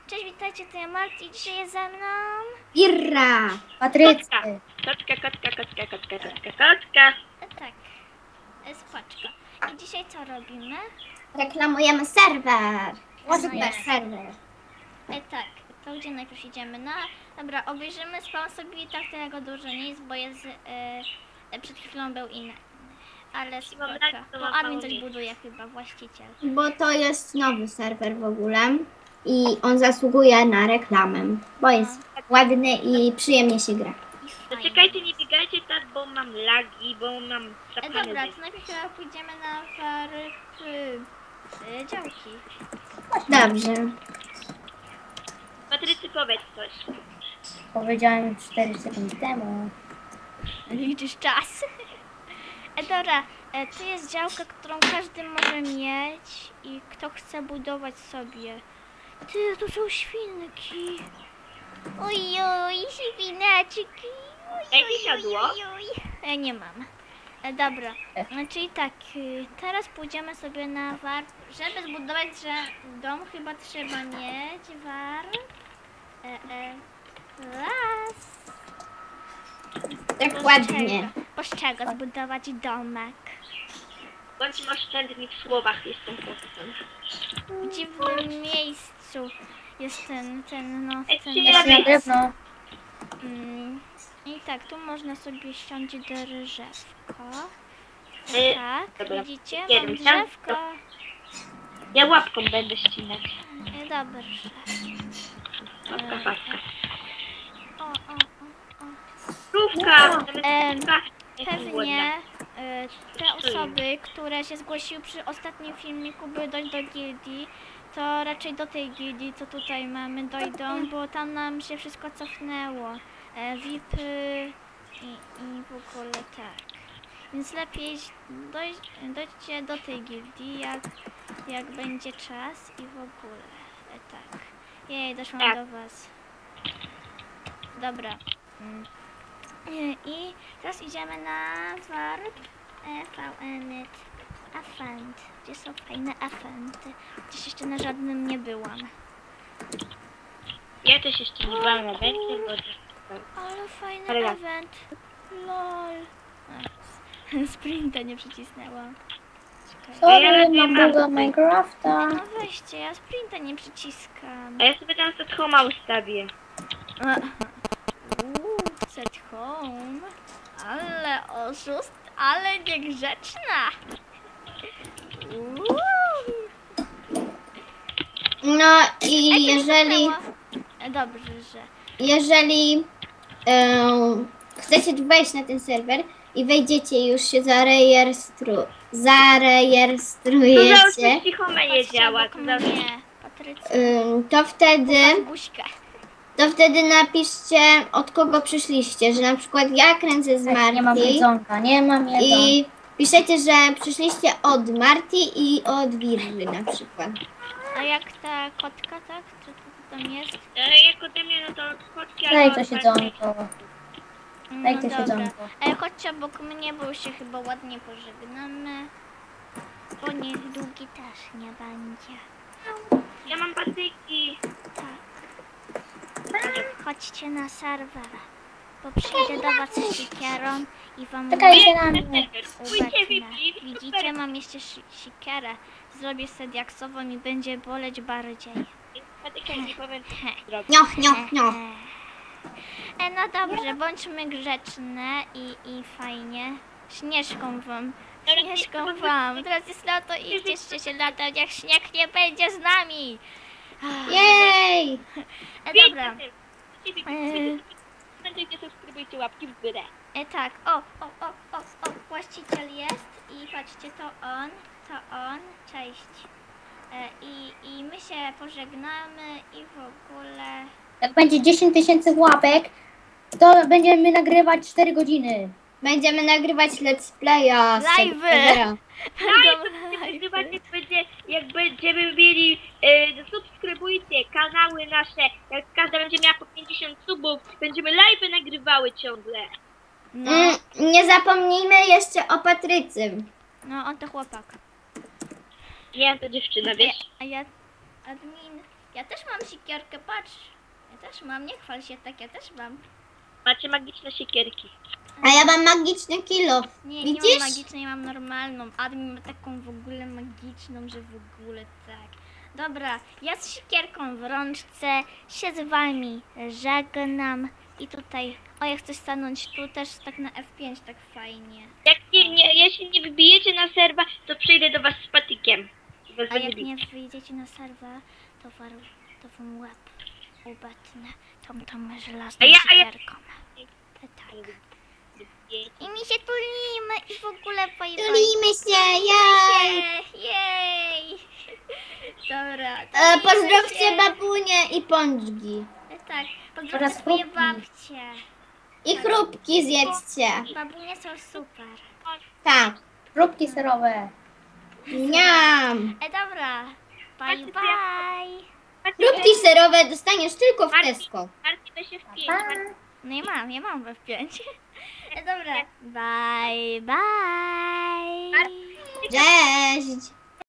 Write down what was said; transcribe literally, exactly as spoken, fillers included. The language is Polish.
Cześć, witajcie, to ja Marti i dzisiaj jest ze mną... Irra! Patrycja! Kotka, kotka, kotka, kotka, kotka, kotka. E, tak, e, spoczko. I dzisiaj co robimy? Reklamujemy serwer! No Super jest. serwer! E, tak, to gdzie najpierw idziemy? No, dobra, obejrzymy, spam sobie i tak tego dużo nie jest, bo jest... E, e, przed chwilą był inny. Ale spoczko. To admin coś buduje chyba, właściciel. Bo to jest nowy serwer w ogóle i on zasługuje na reklamę, bo jest ładny i przyjemnie się gra. I fajnie. Zaczekajcie, nie biegajcie tak, bo mam lagi, bo mam E, zapalone dobra, zęby. to najpierw chyba pójdziemy na fary... E, działki. Dobrze. Patrycy, powiedz coś. Powiedziałem cztery sekundy temu. Liczysz czas. E, dobra, e, to jest działka, którą każdy może mieć i kto chce budować sobie. Ty, tu są świnki. Ojoj, świneczki. Jakie siadło? E, nie mam. E, dobra, no, czyli tak, y, teraz pójdziemy sobie na warp. Żeby zbudować że dom chyba trzeba mieć warp. E, e, raz. Dokładnie. Z czego zbudować domek? Bądźmy oszczędni w słowach, jestem posłem. W dziwnym miejscu jest ten, ten, no, Ej, ten... czy Ja na drewno. Mm, I tak, tu można sobie ściąć drzewko. Y, Tak, dobra. widzicie? Mam Jeden, tam, drzewko. Ja łapką będę ścinać. E, Dobrze. Łapka, paska. O, o, o, o. Krówka! Em, Krówka. Jestem Pewnie głodna. e, te osoby, które się zgłosiły przy ostatnim filmiku, by dojść do gildii, to raczej do tej gildii, co tutaj mamy, dojdą, bo tam nam się wszystko cofnęło. E, V I P y i, i w ogóle tak. Więc lepiej dojść, dojdźcie do tej gildii, jak, jak będzie czas i w ogóle. E, tak. Jej, doszłam Tak. do was. Dobra. Mm. I teraz idziemy na warp Evenet Event, gdzie są fajne eventy. Gdzieś jeszcze na żadnym nie byłam. Ja też jeszcze nie byłam na wędce, bo... Ale fajny Ale ja- event. Lol. A, sprinta nie przycisnęłam. Czekaj. Sorry, mam buga Minecrafta. No weźcie, ja sprinta nie przyciskam. A ja sobie tam set homa ustawię. Uuu, set home. Ale oszust, ale niegrzeczna. Uuu. No Ej, i to nie jeżeli, cofnęło. E, Dobrze, że... jeżeli em, chcecie tu wejść na ten serwer i wejdziecie już się zarejestru, To zarejestrujecie, załóżmy, że home nie Patrzcie działa. obok To załóżmy... mnie, Patrycja. em, to wtedy... Pokaż buźkę. To wtedy napiszcie, od kogo przyszliście, że na przykład ja kręcę z Nie mam Marti jedzonka, nie mam jedzonka. i piszecie, że przyszliście od Marti i od Wirry na przykład. A jak ta kotka, tak? Co to tam jest? E, Jak ode mnie, no to kotki Daj albo... to siedzonko. Daj No to dobra. siedzonko. Ale chodźcie obok mnie, bo się chyba ładnie pożegnamy. Bo niech długi też nie będzie. Ja mam patyki. Tak. Chodźcie na serwer. Bo przyjdę do was z sikierą i wam Czekajcie na mnie. Pójdźcie, ubecnę. Vivi. Widzicie, mam jeszcze si- sikierę. Zrobię sobie diaksową i będzie boleć bardziej. Patyka nie powiem, co zrobić. Nioch, nioch, nioch. E, no dobrze, bądźmy grzeczne i, i fajnie. Śnieżką wam, śnieżką wam. Teraz jest lato i cieszcie się latem, jak śnieg nie będzie z nami. Jej! E, dobra, Pamiętajcie, subskrybujcie, łapki w górę. e, tak, o, o, o, o, o, właściciel jest i patrzcie, to on, to on, cześć. E, i, I my się pożegnamy i w ogóle... Jak będzie dziesięć tysięcy łapek, to będziemy nagrywać cztery godziny. Będziemy nagrywać let's playa z tego Live'y. serwera. Nagrywać jak będzie, jak będziemy mieli, e, subskrybujcie kanały nasze, jak każda będzie miała po pięćdziesiąt subów, będziemy live nagrywały ciągle. No, Mm, nie zapomnijmy jeszcze o Patrycy. no on to chłopak. Nie, to dziewczyna, A ja, wiesz? a ja admin Ja też mam siekierkę, patrz. Ja też mam, nie chwal się tak, ja też mam. Macie magiczne siekierki. A ja mam magiczny kilo. Nie, nie Widzisz? mam magicznej, mam normalną. Admin ma taką w ogóle magiczną, że w ogóle tak. Dobra, ja z siekierką w rączce się z wami żegnam. I tutaj, o ja chcę stanąć tu też tak na F pięć, tak fajnie. Jak nie, nie, jeśli nie wybijecie na serwa, to przyjdę do was z patykiem. I was A będę jak bił. nie wyjdziecie na serwer, to, war, to wam łeb ubetnę tą, tą żelazną A ja- a ja- siekierką. Tak. I mi się tulimy i w ogóle bye bye. Tulimy się, jej! Jej! Dobra. E, tulimy pozdrowcie się. babunię i pączki. Tak, pozdrowcie Oraz swoje chrupki. babcie. I chrupki zjedzcie. Babunie są super. Tak. Próbki serowe. Niam. E, dobra. Bye Patrzcie, bye. Chrupki serowe dostaniesz tylko w Marcin, Tesco. Marcin, weź się w pięć. Pa. Marcin, No i mam, ja mam w F pięć. E, dobra. Bye bye. Cześć.